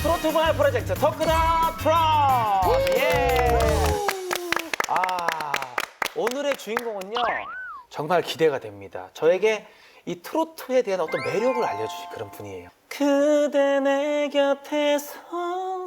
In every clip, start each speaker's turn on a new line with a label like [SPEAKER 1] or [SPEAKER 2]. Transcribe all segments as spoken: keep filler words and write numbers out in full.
[SPEAKER 1] 트로트발 프로젝트 토크다 프로. 예. 아, 오늘의 주인공은요 정말 기대가 됩니다. 저에게 이 트로트에 대한 어떤 매력을 알려주신 그런 분이에요. 그대 내 곁에 선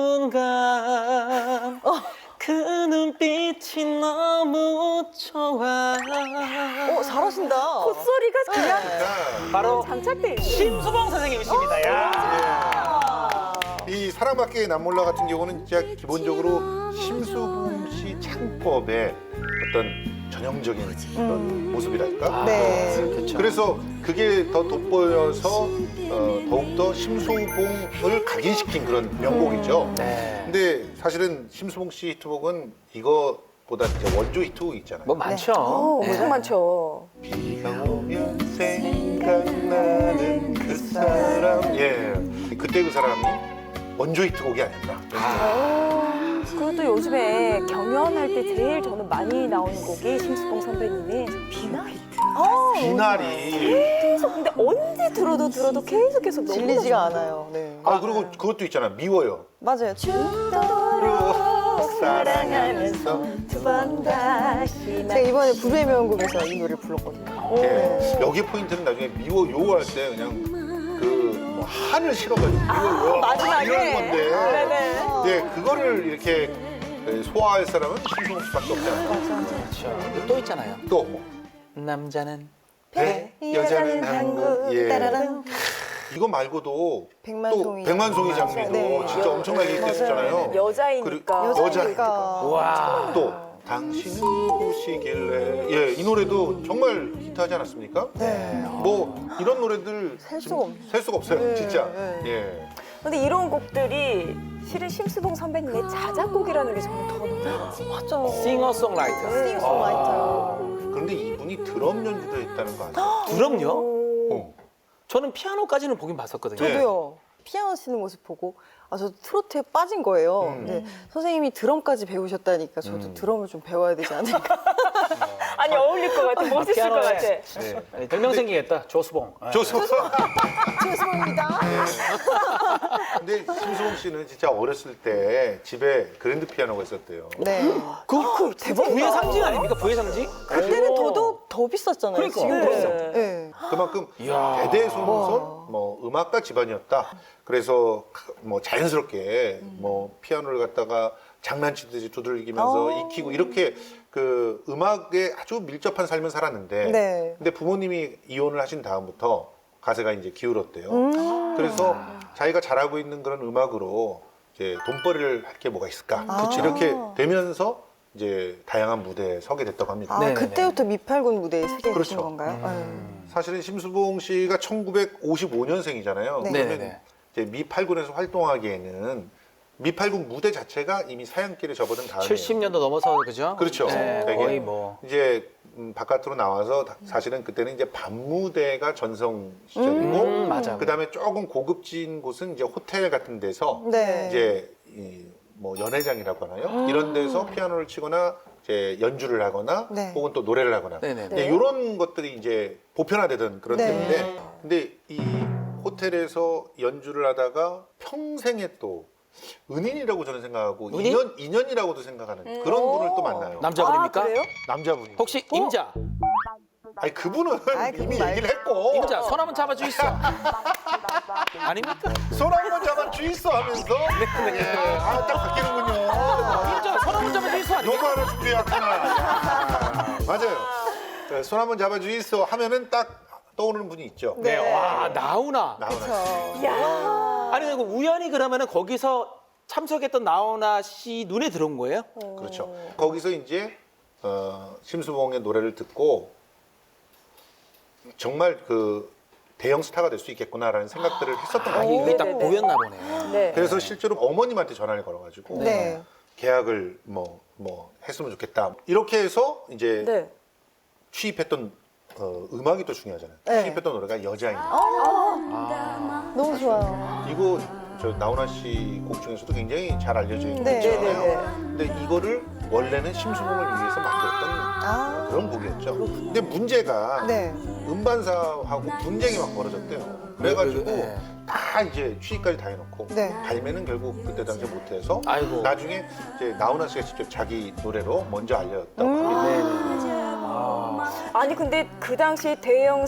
[SPEAKER 1] 순간 그 눈빛이 너무 좋아.
[SPEAKER 2] 어, 잘하신다.
[SPEAKER 3] 콧소리가 그냥
[SPEAKER 1] 바로
[SPEAKER 3] 장착돼 있네.
[SPEAKER 1] 심수봉 선생님이십니다. 야.
[SPEAKER 4] 이 사랑받기의 남몰라 같은 경우는 진짜 기본적으로 심수봉 씨 창법의 어떤 전형적인 그런 모습이랄까?
[SPEAKER 2] 네.
[SPEAKER 1] 그렇죠.
[SPEAKER 4] 그래서 그게 더 돋보여서 어, 더욱더 심수봉을 각인시킨 그런 명곡이죠.
[SPEAKER 1] 네.
[SPEAKER 4] 근데 사실은 심수봉 씨 히트곡은 이거보다 이제 원조 히트곡 있잖아요.
[SPEAKER 1] 뭐 많죠.
[SPEAKER 3] 어,
[SPEAKER 1] 네.
[SPEAKER 3] 엄청 많죠.
[SPEAKER 4] 비가 오면 생각나는 그 사람. 예, 그때 그 사람이 원조 히트곡이 아니었나.
[SPEAKER 3] 어, 그리고 또 요즘에 경연할 때 제일 저는 많이 나오는 곡이 심수봉 선배님의 비나이트.
[SPEAKER 2] 어,
[SPEAKER 4] 비나리.
[SPEAKER 3] 계속 근데 언제 들어도 들어도 계속 계속 너무
[SPEAKER 2] 질리지가 않아요. 네.
[SPEAKER 4] 아 그리고 그것도 있잖아. 미워요.
[SPEAKER 2] 맞아요.
[SPEAKER 4] 로 사랑하면서.
[SPEAKER 3] 두 번 다시
[SPEAKER 2] 제가 이번에 불후의 명곡에서 이 노래를 불렀거든요.
[SPEAKER 4] 예. 여기 포인트는 나중에 미워요 할 때 그냥 그뭐 한을 실어가지고 미워요.
[SPEAKER 3] 마지막에.
[SPEAKER 4] 이런 건데.
[SPEAKER 3] 네네.
[SPEAKER 4] 네, 그거를 이렇게 소화할 사람은 심수봉 씨밖에 없잖아요.
[SPEAKER 1] 그렇죠. 또 있잖아요.
[SPEAKER 4] 또 뭐.
[SPEAKER 1] 남자는
[SPEAKER 4] 배, 여자는 한국. 예.
[SPEAKER 2] 따라랑.
[SPEAKER 4] 이거 말고도
[SPEAKER 2] 백만송이.
[SPEAKER 4] 또 백만송이 장미도
[SPEAKER 2] 네.
[SPEAKER 4] 진짜 엄청나게 히트했었잖아요.
[SPEAKER 3] 여자이니까.
[SPEAKER 4] 그리고 여자니까.
[SPEAKER 1] 와.
[SPEAKER 4] 또 당신은 누구시길래. 예, 이 노래도 정말 히트하지 않았습니까?
[SPEAKER 2] 네.
[SPEAKER 4] 뭐 이런 노래들
[SPEAKER 2] 셀 수가 없-
[SPEAKER 4] 셀 수가 없어요,
[SPEAKER 2] 네,
[SPEAKER 4] 진짜.
[SPEAKER 2] 네.
[SPEAKER 4] 예.
[SPEAKER 3] 근데 이런 곡들이 실은 심수봉 선배님의 자작곡이라는 게 저는 더 놀라워요.
[SPEAKER 2] 맞죠.
[SPEAKER 1] 싱어송라이터.
[SPEAKER 2] 싱어송라이터.
[SPEAKER 4] 그런데 이분이 드럼 연주도 했다는 거 아세요?
[SPEAKER 1] 그럼요.
[SPEAKER 4] 어.
[SPEAKER 1] 저는 피아노까지는 보긴 봤었거든요.
[SPEAKER 4] 네.
[SPEAKER 2] 저도요. 피아노 치는 모습 보고 아, 저 트로트에 빠진 거예요.
[SPEAKER 4] 음.
[SPEAKER 2] 네. 선생님이 드럼까지 배우셨다니까 저도
[SPEAKER 1] 음.
[SPEAKER 2] 드럼을 좀 배워야 되지 않을까.
[SPEAKER 3] 아니 어울릴 것 같아. 멋있을 것
[SPEAKER 1] 피아노에.
[SPEAKER 3] 같아.
[SPEAKER 4] 네.
[SPEAKER 1] 아니, 별명 생기겠다. 조수봉. 아.
[SPEAKER 4] 좋습니다.
[SPEAKER 2] 죄송합니다.
[SPEAKER 4] 근데 심수봉 씨는 진짜 어렸을 때 집에 그랜드 피아노가 있었대요.
[SPEAKER 2] 네.
[SPEAKER 1] 그, 그 대박. 부의 상징 아닙니까? 부의 상징?
[SPEAKER 2] 그때는
[SPEAKER 1] 오.
[SPEAKER 2] 더더욱 더 비쌌잖아요.
[SPEAKER 1] 그러니까.
[SPEAKER 2] 지금도.
[SPEAKER 3] 네.
[SPEAKER 2] 네.
[SPEAKER 4] 그만큼
[SPEAKER 1] 이야.
[SPEAKER 4] 대대손손 뭐 음악가 집안이었다. 그래서 뭐 자연스럽게 뭐 피아노를 갖다가 장난치듯이 두들기면서
[SPEAKER 2] 어.
[SPEAKER 4] 익히고 이렇게 그 음악에 아주 밀접한 삶을 살았는데
[SPEAKER 2] 네.
[SPEAKER 4] 근데 부모님이 이혼을 하신 다음부터 가세가 이제 기울었대요.
[SPEAKER 2] 음.
[SPEAKER 4] 그래서 자기가 잘하고 있는 그런 음악으로 이제 돈벌이를 할 게 뭐가 있을까?
[SPEAKER 2] 아.
[SPEAKER 4] 이렇게 되면서 이제 다양한 무대에 서게 됐다고 합니다.
[SPEAKER 2] 아,
[SPEAKER 1] 네네네.
[SPEAKER 2] 그때부터 미팔군 무대에 서게 되신
[SPEAKER 4] 그렇죠.
[SPEAKER 2] 건가요?
[SPEAKER 1] 음.
[SPEAKER 4] 사실은 심수봉 씨가 천구백오십오 년생이잖아요.
[SPEAKER 2] 네.
[SPEAKER 4] 그러면
[SPEAKER 1] 네네네.
[SPEAKER 4] 이제 미팔군에서 활동하기에는 미팔군 무대 자체가 이미 사양길에 접어든 다음에
[SPEAKER 1] 칠십 년도 넘어서 그죠?
[SPEAKER 4] 그렇죠.
[SPEAKER 1] 네,
[SPEAKER 4] 되게.
[SPEAKER 1] 거의 뭐.
[SPEAKER 4] 이제 음, 바깥으로 나와서 다- 사실은 그때는 이제 밤무대가 전성 시절이고
[SPEAKER 1] 음, 맞아.
[SPEAKER 4] 그다음에 조금 고급진 곳은 이제 호텔 같은 데서
[SPEAKER 2] 네.
[SPEAKER 4] 이제 이 뭐 연회장이라고 하나요? 이런 데서 피아노를 치거나 이제 연주를 하거나
[SPEAKER 2] 네.
[SPEAKER 4] 혹은 또 노래를 하거나
[SPEAKER 1] 네네.
[SPEAKER 3] 네.
[SPEAKER 4] 이런 것들이 이제 보편화되던 그런
[SPEAKER 2] 네.
[SPEAKER 4] 때인데 근데 이 호텔에서 연주를 하다가 평생에 또 은인이라고 저는 생각하고
[SPEAKER 1] 은인?
[SPEAKER 4] 인연, 인연이라고도 생각하는
[SPEAKER 3] 음.
[SPEAKER 4] 그런 분을 또
[SPEAKER 3] 오.
[SPEAKER 4] 만나요.
[SPEAKER 1] 남자분입니까?
[SPEAKER 3] 아, 그래요?
[SPEAKER 4] 남자분이.
[SPEAKER 1] 혹시 임자?
[SPEAKER 4] 아니 그분은
[SPEAKER 2] 아이, 그분
[SPEAKER 4] 이미
[SPEAKER 2] 말고.
[SPEAKER 4] 얘기를 했고
[SPEAKER 1] 임자, 손 한번 잡아주 있어. 아닙니까?
[SPEAKER 4] 손 한번 잡아 주있어 하면서 예, 아딱 바뀌는군요.
[SPEAKER 1] 임자, 손 한번 잡아주 있어.
[SPEAKER 4] 너무
[SPEAKER 1] 아닙니까?
[SPEAKER 4] 하나 준비했구나. 맞아요. 네, 손 한번 잡아 주있어 하면은 딱 떠오르는 분이 있죠.
[SPEAKER 1] 네, 와, 나훈아.
[SPEAKER 4] 나훈아 씨.
[SPEAKER 2] 그렇죠.
[SPEAKER 3] 이야.
[SPEAKER 1] 아니, 그리고 우연히 그러면은 거기서 참석했던 나훈아 씨 눈에 들어온 거예요?
[SPEAKER 4] 그렇죠. 거기서 이제 어, 심수봉의 노래를 듣고 정말 그 대형 스타가 될 수 있겠구나라는 생각들을 했었던 것
[SPEAKER 1] 아,
[SPEAKER 4] 같아요.
[SPEAKER 1] 이게 딱
[SPEAKER 3] 네네네.
[SPEAKER 1] 보였나 보네.
[SPEAKER 3] 네.
[SPEAKER 4] 그래서 실제로 어머님한테 전화를 걸어가지고
[SPEAKER 2] 네.
[SPEAKER 4] 계약을 뭐, 뭐 했으면 좋겠다. 이렇게 해서 이제
[SPEAKER 3] 네.
[SPEAKER 4] 취입했던 어, 음악이 또 중요하잖아요.
[SPEAKER 2] 네.
[SPEAKER 4] 취입했던 노래가 여자인.
[SPEAKER 2] 너무 좋아요.
[SPEAKER 4] 이거 저 나훈아 씨 곡 중에서도 굉장히 잘 알려져 있는
[SPEAKER 2] 네.
[SPEAKER 4] 곡이잖아요.
[SPEAKER 3] 네네네.
[SPEAKER 4] 근데 이거를 원래는 심수봉을 위해서 만들었던
[SPEAKER 2] 아.
[SPEAKER 4] 그런 곡이었죠. 근데 문제가
[SPEAKER 2] 네.
[SPEAKER 4] 음반사하고 분쟁이 막 벌어졌대요. 그래가지고
[SPEAKER 1] 네.
[SPEAKER 4] 다 이제 취직까지 다 해놓고
[SPEAKER 2] 네.
[SPEAKER 4] 발매는 결국 그때 당시에 못해서
[SPEAKER 1] 아이고.
[SPEAKER 4] 나중에 이제 나훈아 씨가 직접 자기 노래로 먼저 알렸다고
[SPEAKER 2] 음.
[SPEAKER 4] 합니다.
[SPEAKER 1] 네네. 아.
[SPEAKER 3] 아니 근데 그 당시 대형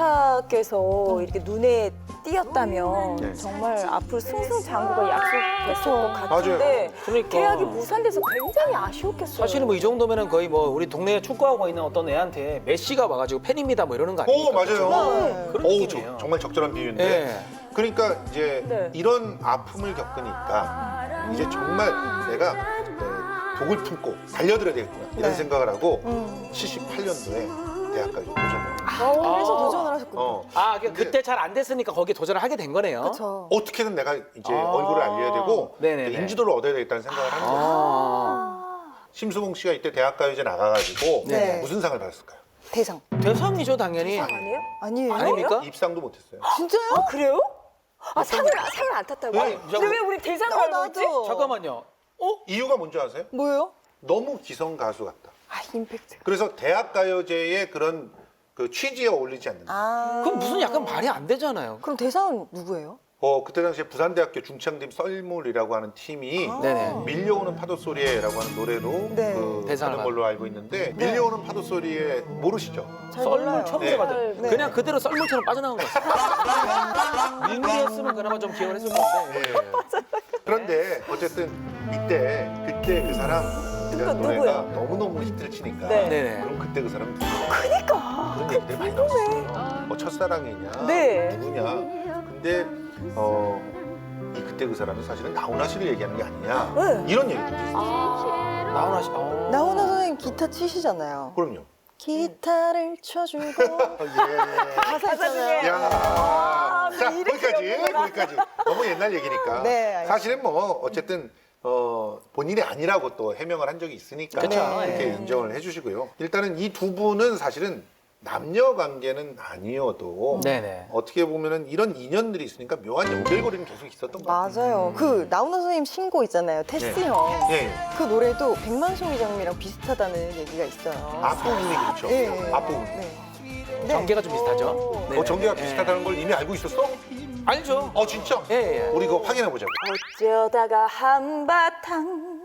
[SPEAKER 3] 스타께서 이렇게 눈에 띄었다면
[SPEAKER 4] 네.
[SPEAKER 3] 정말 앞으로 승승장구가 약속됐을 것 같은데
[SPEAKER 4] 맞아요.
[SPEAKER 1] 그러니까.
[SPEAKER 3] 계약이 무산돼서 굉장히 아쉬웠겠어요.
[SPEAKER 1] 사실은 뭐 이 정도면은 거의 뭐 우리 동네에 축구하고 있는 어떤 애한테 메시가 와가지고 팬입니다 뭐 이러는 거 아닙니까?
[SPEAKER 4] 오 맞아요.
[SPEAKER 2] 네.
[SPEAKER 1] 그런
[SPEAKER 4] 어우,
[SPEAKER 1] 느낌이에요.
[SPEAKER 4] 저- 정말 적절한 비유인데.
[SPEAKER 1] 예.
[SPEAKER 4] 그러니까 이제
[SPEAKER 3] 네.
[SPEAKER 4] 이런 아픔을 겪으니까 이제 정말 내가 네, 독을 품고 달려들어야 되겠구나 이런
[SPEAKER 2] 네.
[SPEAKER 4] 생각을 하고
[SPEAKER 2] 음.
[SPEAKER 4] 칠십팔 년도에 대학까지 도전을.
[SPEAKER 2] 아, 그래서
[SPEAKER 1] 아.
[SPEAKER 2] 도전을 하셨군요.
[SPEAKER 4] 어.
[SPEAKER 1] 아, 그-
[SPEAKER 4] 근데
[SPEAKER 1] 그때 잘 안 됐으니까 거기에 도전을 하게 된 거네요.
[SPEAKER 2] 그렇죠.
[SPEAKER 4] 어떻게든 내가 이제
[SPEAKER 1] 아.
[SPEAKER 4] 얼굴을 알려야 되고
[SPEAKER 1] 네네네.
[SPEAKER 4] 인지도를 얻어야 되겠다는 생각을 하는 거예요.
[SPEAKER 1] 아.
[SPEAKER 4] 심수봉 씨가 이때 대학가요제 나가가지고
[SPEAKER 2] 네.
[SPEAKER 4] 무슨 상을 받았을까요?
[SPEAKER 2] 대상.
[SPEAKER 1] 대상이죠 당연히.
[SPEAKER 3] 아니에요?
[SPEAKER 2] 아니에요?
[SPEAKER 1] 아닙니까?
[SPEAKER 4] 입상도 못했어요.
[SPEAKER 2] 진짜요?
[SPEAKER 3] 아 그래요? 아 상을 상을 안 탔다고?
[SPEAKER 4] 네.
[SPEAKER 3] 근데 왜 우리 대상을
[SPEAKER 2] 어,
[SPEAKER 3] 알고 있지?
[SPEAKER 2] 나도.
[SPEAKER 1] 잠깐만요. 어?
[SPEAKER 4] 이유가 뭔지 아세요?
[SPEAKER 2] 뭐예요?
[SPEAKER 4] 너무 기성 가수 같다.
[SPEAKER 2] 아, 임팩트.
[SPEAKER 4] 그래서 대학가요제의 그런 그 취지에 어울리지 않는다.
[SPEAKER 2] 아.
[SPEAKER 1] 그럼 무슨 약간 말이 안 되잖아요.
[SPEAKER 2] 그럼 대상은 누구예요?
[SPEAKER 4] 어 그때 당시에 부산대학교 중창팀 썰물이라고 하는 팀이
[SPEAKER 2] 아.
[SPEAKER 1] 네네.
[SPEAKER 4] 밀려오는 파도 소리에라고 하는 노래로
[SPEAKER 2] 네.
[SPEAKER 4] 그
[SPEAKER 1] 대상을
[SPEAKER 4] 하는 걸로 알고 있는데 밀려오는 파도 소리에 모르시죠?
[SPEAKER 2] 잘
[SPEAKER 1] 썰물
[SPEAKER 2] 몰라요.
[SPEAKER 1] 처음
[SPEAKER 4] 네.
[SPEAKER 1] 들어봤죠.
[SPEAKER 2] 네.
[SPEAKER 1] 그냥 그대로 썰물처럼 빠져나온 거 같아요. 민물이었으면 그나마 좀 기억을 했을 건데.
[SPEAKER 4] 네. 그런데 어쨌든 이때 그때 그 사람 이라는
[SPEAKER 3] 누구,
[SPEAKER 4] 노래가
[SPEAKER 3] 누구요?
[SPEAKER 4] 너무너무 히트를 치니까
[SPEAKER 3] 네.
[SPEAKER 1] 네네.
[SPEAKER 4] 그럼 그때 그 사람은 누구야?
[SPEAKER 3] 그러니까
[SPEAKER 4] 그런 얘기들 많이 나왔어요. 뭐 첫사랑이냐,
[SPEAKER 3] 네.
[SPEAKER 4] 누구냐. 근데 어, 이 그때 그 사람은 사실은 나훈아 씨를 얘기하는 게 아니냐.
[SPEAKER 3] 네.
[SPEAKER 4] 이런 얘기들이 있어요.
[SPEAKER 3] 아.
[SPEAKER 1] 나훈아 씨. 어.
[SPEAKER 2] 나훈아 선생님 기타 치시잖아요.
[SPEAKER 4] 그럼요.
[SPEAKER 2] 기타를 쳐주고
[SPEAKER 4] 예.
[SPEAKER 2] 가사 있잖아요.
[SPEAKER 4] 야,
[SPEAKER 3] 아,
[SPEAKER 4] 자
[SPEAKER 3] 이렇게
[SPEAKER 4] 거기까지
[SPEAKER 3] 연구가.
[SPEAKER 4] 거기까지 너무 옛날 얘기니까.
[SPEAKER 2] 네, 알겠습니다.
[SPEAKER 4] 사실은 뭐 어쨌든 어, 본인이 아니라고 또 해명을 한 적이 있으니까
[SPEAKER 1] 그쵸.
[SPEAKER 4] 이렇게
[SPEAKER 2] 네.
[SPEAKER 4] 인정을 해주시고요. 일단은 이 두 분은 사실은 남녀 관계는 아니어도
[SPEAKER 1] 네네.
[SPEAKER 4] 어떻게 보면은 이런 인연들이 있으니까 묘한 연결고리는 계속 있었던 것 같아요.
[SPEAKER 2] 맞아요. 그 나훈아 선생님 신곡 있잖아요. 테스 형.
[SPEAKER 4] 예, 예.
[SPEAKER 2] 그 노래도 백만송이 장미랑 비슷하다는 얘기가 있어요.
[SPEAKER 4] 앞부분이 그렇죠.
[SPEAKER 2] 예, 예.
[SPEAKER 4] 앞부분.
[SPEAKER 2] 네.
[SPEAKER 1] 전개가 좀 비슷하죠. 네네.
[SPEAKER 4] 어, 전개가
[SPEAKER 1] 예.
[SPEAKER 4] 비슷하다는 걸 이미 알고 있었어?
[SPEAKER 1] 알죠.
[SPEAKER 4] 어, 진짜?
[SPEAKER 1] 예, 예.
[SPEAKER 4] 우리 그거 확인해 보자고.
[SPEAKER 3] 어쩌다가 한바탕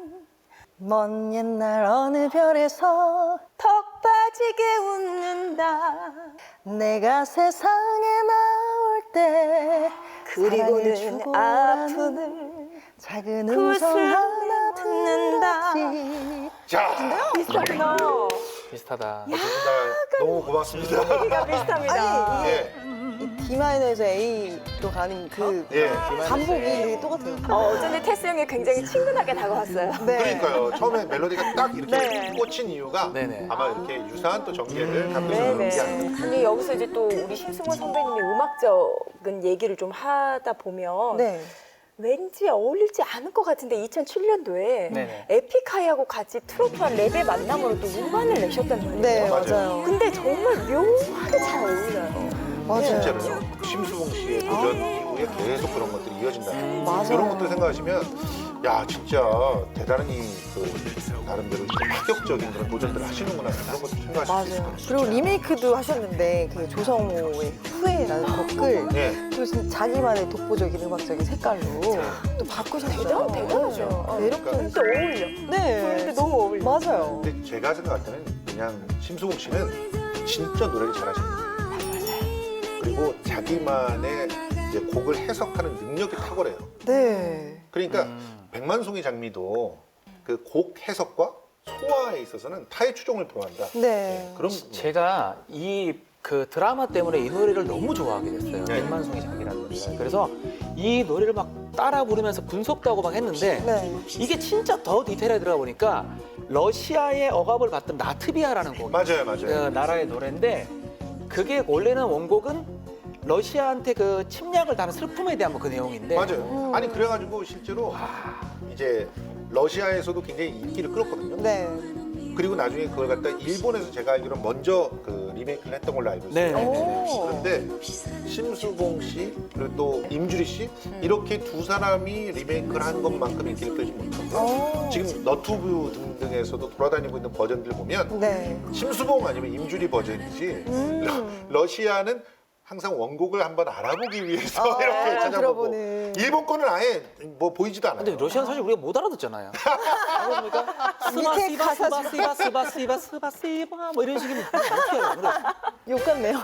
[SPEAKER 2] 먼 옛날 어느 별에서
[SPEAKER 3] 턱 빠지게 웃는다.
[SPEAKER 2] 내가 세상에 나올 때 사랑을
[SPEAKER 3] 그리고는
[SPEAKER 2] 주고라는
[SPEAKER 3] 아픔을
[SPEAKER 2] 작은
[SPEAKER 3] 그
[SPEAKER 2] 음성
[SPEAKER 3] 슬픔을
[SPEAKER 2] 하나
[SPEAKER 3] 듣는다.
[SPEAKER 2] 듣는다.
[SPEAKER 4] 자,
[SPEAKER 3] 비슷하구나.
[SPEAKER 1] 비슷하다.
[SPEAKER 4] 어쨌든 다 너무 고맙습니다.
[SPEAKER 3] 얘기가 비슷합니다.
[SPEAKER 2] 아니,
[SPEAKER 4] 예,
[SPEAKER 2] 이 D 마이너에서 A로 가는 그
[SPEAKER 4] 예.
[SPEAKER 2] 반복이 되게 똑같아요.
[SPEAKER 3] 어, 어쩐지 테스 형이 굉장히 친근하게 다가왔어요.
[SPEAKER 2] 네.
[SPEAKER 4] 그러니까요. 처음에 멜로디가 딱 이렇게
[SPEAKER 3] 네.
[SPEAKER 4] 꽂힌 이유가
[SPEAKER 1] 네네.
[SPEAKER 4] 아마 이렇게 유사한 또 전개를 갖고 있는
[SPEAKER 3] 네네.
[SPEAKER 4] 게 아닌가.
[SPEAKER 3] 근데 여기서 이제 또 우리 심승원 선배님의 음악적인 얘기를 좀 하다 보면
[SPEAKER 2] 네.
[SPEAKER 3] 왠지 어울리지 않을 것 같은데 이천칠 년도에
[SPEAKER 1] 네네.
[SPEAKER 3] 에픽하이하고 같이 트로트와 랩의 만남으로 또 음반을 내셨단 말이에요.
[SPEAKER 2] 네,
[SPEAKER 4] 맞아요.
[SPEAKER 2] 맞아요.
[SPEAKER 3] 근데 정말 묘하게 잘 어울려요.
[SPEAKER 2] 맞아요.
[SPEAKER 4] 진짜로요. 심수봉 씨의 도전 이후에 계속 그런 것들이 이어진다.
[SPEAKER 2] 맞아요.
[SPEAKER 4] 이런 것들 생각하시면 야 진짜 대단히 그 나름대로 파격적인 그런 도전들을 하시는구나 그런 것도 생각하실 수 있을 것
[SPEAKER 2] 맞아요.
[SPEAKER 4] 같아요.
[SPEAKER 2] 그리고 리메이크도 하셨는데 그 조성모의 후회라는 곡을
[SPEAKER 4] 네.
[SPEAKER 2] 또 진짜 자기만의 독보적인 음악적인 색깔로 또 바꾸셨어요.
[SPEAKER 3] 대단, 대단하죠.
[SPEAKER 2] 어, 매력적이죠.
[SPEAKER 3] 진짜 어울려.
[SPEAKER 2] 네.
[SPEAKER 3] 근데 너무 어울려.
[SPEAKER 2] 맞아요.
[SPEAKER 4] 근데 제가 생각할 때는 그냥 심수봉 씨는 진짜 노래를 잘하시는 거예요. 그리고 자기만의 이제 곡을 해석하는 능력이 탁월해요.
[SPEAKER 2] 네.
[SPEAKER 4] 그러니까
[SPEAKER 1] 음.
[SPEAKER 4] 백만송이 장미도 그 곡 해석과 소화에 있어서는 타의 추종을 표한다.
[SPEAKER 2] 네.
[SPEAKER 4] 그런
[SPEAKER 1] 제가 이 그 드라마 때문에 이 노래를 너무 좋아하게 됐어요.
[SPEAKER 4] 네.
[SPEAKER 1] 백만송이 장미라는 노래를. 그래서 이 노래를 막 따라 부르면서 분석도 하고 막 했는데
[SPEAKER 2] 네.
[SPEAKER 1] 이게 진짜 더 디테일하게 들어가 보니까 러시아의 억압을 받던 라트비아라는 곡이
[SPEAKER 4] 맞아요, 맞아요.
[SPEAKER 1] 그 나라의 노래인데 그게 원래는 원곡은 러시아한테 그 침략을 당한 슬픔에 대한 뭐 그 내용인데
[SPEAKER 4] 맞아요. 아니 그래가지고 실제로 이제 러시아에서도 굉장히 인기를 끌었거든요.
[SPEAKER 2] 네.
[SPEAKER 4] 그리고 나중에 그걸 갖다 일본에서 제가 알기로 먼저 그 리메이크를 했던 걸로 알고 있어요.
[SPEAKER 1] 네, 네,
[SPEAKER 2] 오.
[SPEAKER 4] 그런데 심수봉 씨 그리고 또 임주리 씨 이렇게 두 사람이 리메이크를 한 것만큼 인기를 끌지 못하고
[SPEAKER 2] 오.
[SPEAKER 4] 지금 너튜브 등등에서도 돌아다니고 있는 버전들 보면
[SPEAKER 2] 네.
[SPEAKER 4] 심수봉 아니면 임주리 버전이지
[SPEAKER 2] 음.
[SPEAKER 4] 러, 러시아는 항상 원곡을 한번 알아보기 위해서
[SPEAKER 2] 아,
[SPEAKER 4] 이렇게 찾아보고
[SPEAKER 2] 들어보는.
[SPEAKER 4] 일본 거는 아예 뭐 보이지도 않아요.
[SPEAKER 1] 근데 러시아는 사실 우리가 못 알아듣잖아요. 그러니까 스마
[SPEAKER 2] 밑에
[SPEAKER 1] 시바
[SPEAKER 2] 가사
[SPEAKER 1] 스바 시바 스바 시바 스바 시바 뭐 이런 식이면 어떻게 해요? 그래.
[SPEAKER 2] 욕 같네요.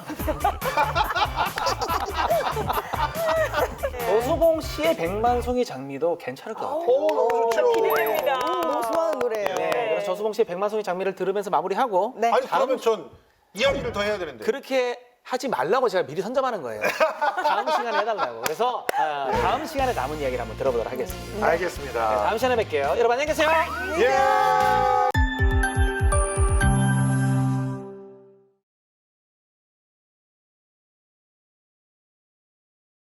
[SPEAKER 1] 조소봉 씨의 백만송이 장미도 괜찮을 것 같아요.
[SPEAKER 4] 오, 너무 좋죠.
[SPEAKER 3] 기대됩니다.
[SPEAKER 2] 너무 좋아하는 노래예요.
[SPEAKER 1] 네, 그래서 조소봉 씨의 백만송이 장미를 들으면서 마무리하고
[SPEAKER 2] 네.
[SPEAKER 4] 아니 그러면 전 이야기를 더 해야 되는데.
[SPEAKER 1] 그렇게 하지 말라고 제가 미리 선점하는 거예요. 다음 시간에 해달라고. 그래서 아, 다음 시간에 남은 이야기를 한번 들어보도록 하겠습니다.
[SPEAKER 4] 알겠습니다.
[SPEAKER 1] 다음 시간에 뵐게요. 여러분 안녕히 계세요.
[SPEAKER 4] 예.